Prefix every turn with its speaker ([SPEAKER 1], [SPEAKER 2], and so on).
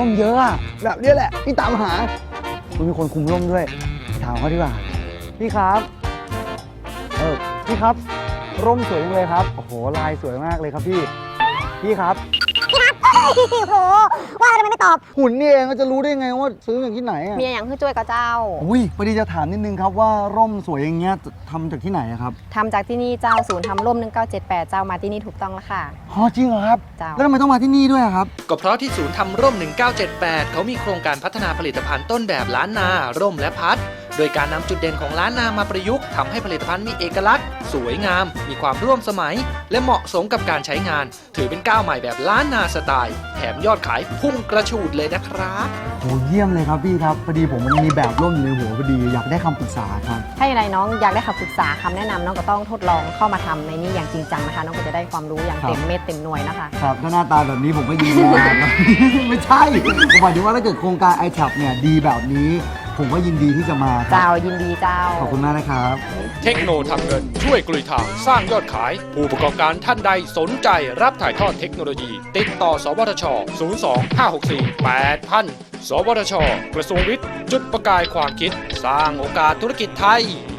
[SPEAKER 1] ร่มเยอะอะแบบนี้แหละที่ตามหาคุณมีคนคุมร่มด้วยถามเขาดีกว่าพี่ครับพี่ครับร่มสวยจังเลยครับโอ้โหลายสวยมากเลยครับพี่ครับ
[SPEAKER 2] โหว่าทำไมไม่ตอบ
[SPEAKER 1] หุ่นนี่เองก็จะรู้ได้ไงว่าซื้ออย่างที่ไหนอ่ะ
[SPEAKER 2] เมียอย่างคือจ้วยกับเจ้า
[SPEAKER 1] อุ้ยพอดีจะถามนิดนึงครับว่าร่มสวยอย่างเงี้ยทำจากที่ไหนอะครับ
[SPEAKER 2] ทำจากที่นี่เจ้าศูนย์ทำร่ม1978เจ้ามาที่นี่ถูกต้องแล้วค่ะ
[SPEAKER 1] อ๋อจริงเหรอครับ
[SPEAKER 2] เจ้า
[SPEAKER 1] แล้วทำไมต้องมาที่นี่ด้วยอะครับ
[SPEAKER 3] ก็เพราะที่ศูนย์ทำร่ม 1978 เขามีโครงการพัฒนาผลิตภัณฑ์ต้นแบบล้านนา ร่มและพัด โดยการนำจุดเด่นของล้านนามาประยุกต์ทำให้ผลิตภัณฑ์มีเอกลักษณ์ สวยงาม มีความร่วมสมัย และเหมาะสมกับการใช้งาน ถือเป็นก้าวใหม่แบบล้านนาสไตล์ แถมยอดขายพุ่งกระฉูดเลยนะครับ
[SPEAKER 1] โหเยี่ยมเลยครับพี่ครับพอดีผมมันมีแบบร่มอยู่ในหัวพอดีอยากได้คำปรึกษาครับ
[SPEAKER 2] ถ้าอย่างไรน้องอยากได้คำปรึกษาคำแนะนำน้องก็ต้องทดลองเข้ามาทำในนี้อย่างจริงจังนะคะน้องก็จะได้ความรู้อย่างเต็มเม็ดเต็มหน่วยนะคะ
[SPEAKER 1] ครับถ้าหน้าตาแบบนี้ผมก็ยินดีมากครับ ไม่ใช่ผมหมายถึงว่าถ้าเกิดโครงการ iTap เนี่ยดีแบบนี้ ผมก็ยินดีที่จะมาครั
[SPEAKER 2] เจ้า
[SPEAKER 1] บ
[SPEAKER 2] ยินดีเจ้า
[SPEAKER 1] ขอบคุณมากนะครับ
[SPEAKER 3] เทคโนทำเงินช่วยกลุยทางสร้างยอดขาย ผู้ประกอบการท่านใดสนใจรับถ่ายทอดเทคโนโลยี ติดต่อ สวทช 02-564-8000 สวทช กระทรวงวิทย์ จุดประกายความคิด สร้างโอกาสธุรกิจไทย